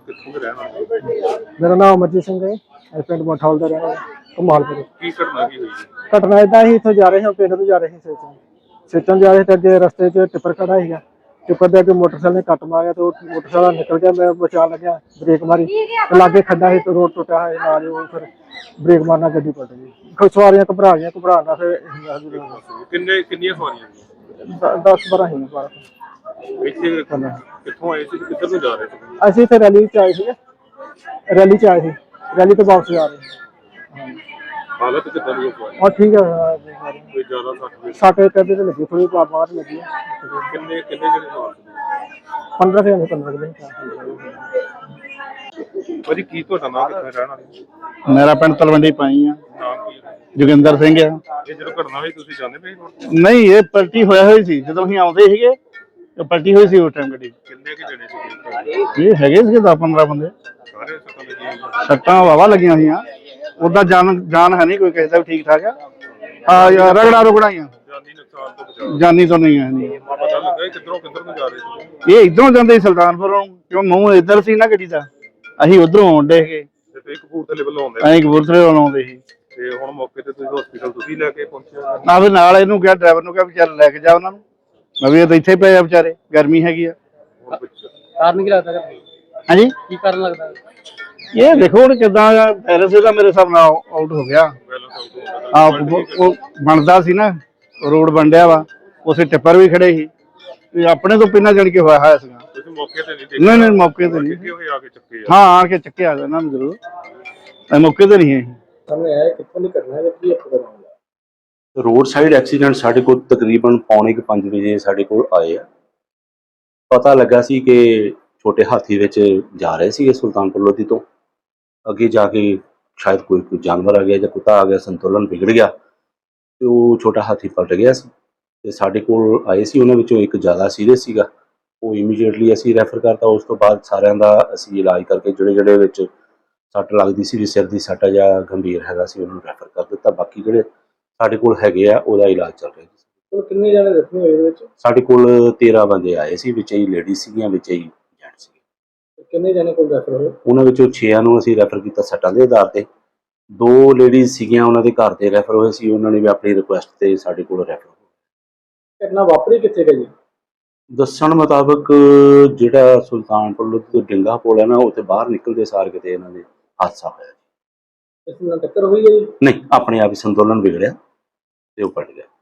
ਕਿੱਥੋਂ ਦੇ ਰਹਿਣ ਵਾਲੇ? ਮੇਰਾ ਨਾਮ ਅਮਰਜੀਤ ਸਿੰਘ ਹੈ। ਇਹ ਪਿੰਡ ਮਠੌਲ ਦਾ ਰਹਿਣ ਵਾਲਾ ਕਮਾਲਪੁਰ। ਕੀ ਘਟਨਾ ਕੀ ਹੋਈ? ਘਟਨਾ ਇਦਾਂ ਹੀ ਇੱਥੋਂ ਜਾ ਰਹੇ ਹਾਂ, ਪਿੰਡ ਤੋਂ ਜਾ ਰਹੇ ਸੀ ਸੇਚਨ ਜਾ ਰਹੇ ਤੇ ਅੱਗੇ ਰਸਤੇ 'ਚ ਟਿੱਪਰ ਖੜਾ ਸੀਗਾ। ਟਿੱਪਰ ਦੇ ਅੱਗੇ ਮੋਟਰਸਾਈਕਲ ਨੇ ਕੱਟ ਮਾਰਿਆ ਤੇ ਉਹ ਮੋਟਰਸਾਈਕਲ ਨਿਕਲ ਗਿਆ। ਮੈਂ ਬਚਾ ਲੱਗਿਆ, ਬ੍ਰੇਕ ਮਾਰੀ ਤੇ ਲਾਗੇ ਖੱਡਾ ਸੀ ਤੇ ਰੋਡ ਟੁੱਟਿਆ ਹੋਇਆ ਨਾਲ ਉਹ ਫਿਰ ਬ੍ਰੇਕ ਮਾਰਨਾ ਗੱਡੀ ਪਲਟ ਗਈ। ਕੋਈ ਸਵਾਰੀਆਂ ਘਬਰਾ ਗਈਆਂ, ਘਬਰਾਉਣਾ ਫਿਰ ਕਿੰਨੀਆਂ ਸਵਾਰੀਆਂ ਸੀ? 10-12 ਸੀ 12। ਇੱਥੇ ਕਿੱਥੋਂ ਆਏ ਸੀ, ਕਿੱਧਰ ਨੂੰ ਜਾ ਰਹੇ ਸੀ? ਅਸੀਂ ਇੱਥੇ ਰੈਲੀ 'ਚ ਆਏ ਸੀਗੇ, ਰੈਲੀ ਤੋਂ ਵਾਪਸ ਜਾ ਰਹੇ ਸੀ। ਹਾਲਤ ਕਿੱਦਾਂ ਦੀ ਹੈ? और ठीक है। ਕੋਈ ਜ਼ਿਆਦਾ सट कहते तो लगी थोड़ी बाहर लगी है। ਕਿੰਨੇ ਜਿਹੜੇ ਸਵਾਰ ਸੀ? 15 से 15 ਭਾਜੀ ਕੀ ਤੁਹਾਡਾ ਨਾਮ, ਕਿੱਥੇ ਰਹਿਣ ਵਾਲੇ? मेरा पिंड तलवंडी पाई आ। ਨਾਮ ਕੀ ਹੈ? जोगिंदर सिंह आ। ਇਹ ਜਦੋਂ ਘਟਨਾ ਹੋਈ ਤੁਸੀਂ ਜਾਂਦੇ ਪਏ ਸੀ? नहीं ये पलटी होया हुई सी जदों असीं आउंदे सीगे ते पलटी होई सी उस टाइम गड्डी। ਕਿੰਨੇ ਕਿ ਜਣੇ ਸੀ? ये हैगे सीगे 10-15 बंदे। ਸਾਰੇ ਸੱਟਾਂ ਲੱਗੀਆਂ? सट्टां वावा लगियां होईयां। उदा जान है नहीं कोई किसी दा भी ठीक ठाक आ। यार रगड़ा रुगड़ाइयां ਜਾਨੀ ਨੁਕਸਾਨ ਤੋਂ ਬਚਾਅ? जानी तो नहीं है। ਪਤਾ ਲੱਗਾ ਇਹ ਕਿੱਧਰ ਨੂੰ ਜਾ ਰਹੇ ਸੀ? ये इधरों जांदे सुल्तानपुरों, क्यों मूंह इधर सी ना गड्डी दा, असीं उधरों आउंदे सीगे। ਤੇ ਤੁਸੀਂ ਕਪੂਰਥਲੇ ਵੱਲੋਂ ਆਉਂਦੇ असीं कपूरथले वालों आउंदे सी। ਤੇ ਹੁਣ ਮੌਕੇ ਤੇ ਤੁਸੀਂ ਹਸਪੀਟਲ ਤੁਸੀਂ ਲੈ ਕੇ ਪਹੁੰਚੇ? ना फिर नाल इहनूं कहा ड्राइवर नूं कहा भी चल लैके जा उन्हां नूं। मैं भी इत्थे पए आ बेचारे, गर्मी हैगी आ। कारण की लगता है? हाँ जी की कारण लगता है? ये देखो हुण किदां बैलेंस इहदा मेरे हिसाब नाल आउट हो गया। ਉਹ ਬਣਦਾ ਸੀ ਨਾ, ਰੋਡ ਬਣਿਆ ਵਾ, ਉਸੇ ਟਿੱਪਰ ਵੀ ਖੜੇ ਸੀ ਤੇ ਆਪਣੇ ਤੋਂ ਪਹਿਲਾਂ ਜਾਣ ਕੇ ਹੋਇਆ ਸੀਗਾ। ਤੁਸੀਂ ਮੌਕੇ ਤੇ ਨਹੀਂ ਦੇਖਿਆ? ਨਹੀਂ ਮੌਕੇ ਤੇ ਨਹੀਂ। ਕਿਉਂ ਆ ਕੇ ਚੱਕੇ? ਹਾਂ ਆਣ ਕੇ ਚੱਕਿਆ ਇਹਨਾਂ ਨੂੰ ਜ਼ਰੂਰ, ਮੌਕੇ ਤੇ ਨਹੀਂ ਹੈ। ਸਾਹਮਣੇ ਆਇਆ ਕਿੱਥੋਂ ਨਹੀਂ ਕਰਨਾ ਹੈ ਕੀ ਆਪਣਾ ਰੋਡ ਸਾਈਡ ਐਕਸੀਡੈਂਟ ਸਾਡੇ ਕੋਲ ਤਕਰੀਬਨ 4:45 ਵਜੇ ਸਾਡੇ ਕੋਲ ਆਏ ਆ। ਪਤਾ ਲੱਗਾ ਸੀ ਕਿ ਛੋਟੇ ਹਾਥੀ ਵਿੱਚ ਜਾ ਰਹੇ ਸੀਗੇ ਸੁਲਤਾਨਪੁਰ ਲੋਧੀ ਤੋਂ। ਅੱਗੇ ਜਾ ਕੇ ਸ਼ਾਇਦ ਕੋਈ ਜਾਨਵਰ ਆ ਗਿਆ ਜਾਂ ਕੁੱਤਾ ਆ ਗਿਆ, ਸੰਤੁਲਨ ਵਿਗੜ ਗਿਆ ਤੇ ਉਹ ਛੋਟਾ ਹਾਥੀ ਪਲਟ ਗਿਆ ਸੀ ਤੇ ਸਾਡੇ ਕੋਲ ਆਏ ਸੀ। ਉਹਨਾਂ ਵਿੱਚੋਂ ਇੱਕ ਜ਼ਿਆਦਾ ਸੀਰੀਅਸ ਸੀਗਾ, ਉਹ ਇਮੀਡੀਏਟਲੀ ਅਸੀਂ ਰੈਫਰ ਕਰਤਾ। ਉਸ ਤੋਂ ਬਾਅਦ ਸਾਰਿਆਂ ਦਾ ਅਸੀਂ ਇਲਾਜ ਕਰਕੇ ਜਿਹੜੇ ਵਿੱਚ ਸੱਟ ਲੱਗਦੀ ਸੀ, ਸਿਰ ਦੀ ਸੱਟ ਜਾਂ ਗੰਭੀਰ ਹੈਗਾ ਸੀ, ਉਹਨੂੰ ਰੈਫਰ ਕਰ ਦਿੱਤਾ। ਬਾਕੀ ਜਿਹੜੇ ਸਾਡੇ ਕੋਲ ਹੈਗੇ ਆ ਉਹਦਾ ਇਲਾਜ ਚੱਲ ਰਿਹਾ ਜੀ। ਕਿੰਨੇ ਜਣੇ ਜ਼ਖਮੀ ਹੋਏ ਇਹਦੇ ਵਿੱਚ? ਸਾਡੇ ਕੋਲ 13 ਬੰਦੇ ਆਏ ਸੀ, ਵਿੱਚ ਹੀ ਲੇਡੀ ਸੀਗੀਆਂ, ਵਿੱਚ ਹੀ ਜੈਂਟ ਸੀਗੇ। ਕਿੰਨੇ ਜਣੇ ਕੋਲ ਰੈਫਰ ਹੋਏ? ਉਹਨਾਂ ਵਿੱਚੋਂ 6 ਨੂੰ ਅਸੀਂ ਰੈਫਰ ਕੀਤਾ ਸੱਟਾਂ ਦੇ ਆਧਾਰ ਤੇ। 2 ਲੇਡੀਜ਼ ਸੀਗੀਆਂ, ਉਹਨਾਂ ਦੇ ਘਰ ਤੇ ਰੈਫਰ ਹੋਏ ਸੀ, ਉਹਨਾਂ ਨੇ ਵੀ ਆਪਣੀ ਰਿਕੁਐਸਟ ਤੇ ਸਾਡੇ ਕੋਲ ਰੈਫਰ ਹੋਏ। ਘਟਨਾ ਵਾਪਰੀ ਕਿੱਥੇ ਗਈ? ਦੱਸਣ ਮੁਤਾਬਕ ਜਿਹੜਾ ਸੁਲਤਾਨਪੁਰ ਲੋਧੀ ਤੋਂ ਡਿੰਗਾ ਪੁਲ ਹੈ ਨਾ, ਉੱਥੇ ਬਾਹਰ ਨਿਕਲਦੇ ਸਾਰ ਕਿਤੇ ਇਹਨਾਂ ਦੇ ਹਾਦਸਾ ਹੋਇਆ। ਇਸ ਨਾਲ ਟੱਕਰ ਹੋਈ ਹੈ? ਨਹੀਂ, ਆਪਣੇ ਆਪ ਹੀ ਸੰਤੁਲਨ ਵਿਗੜਿਆ ਤੇ ਉਹ ਪਲਟ ਗਿਆ।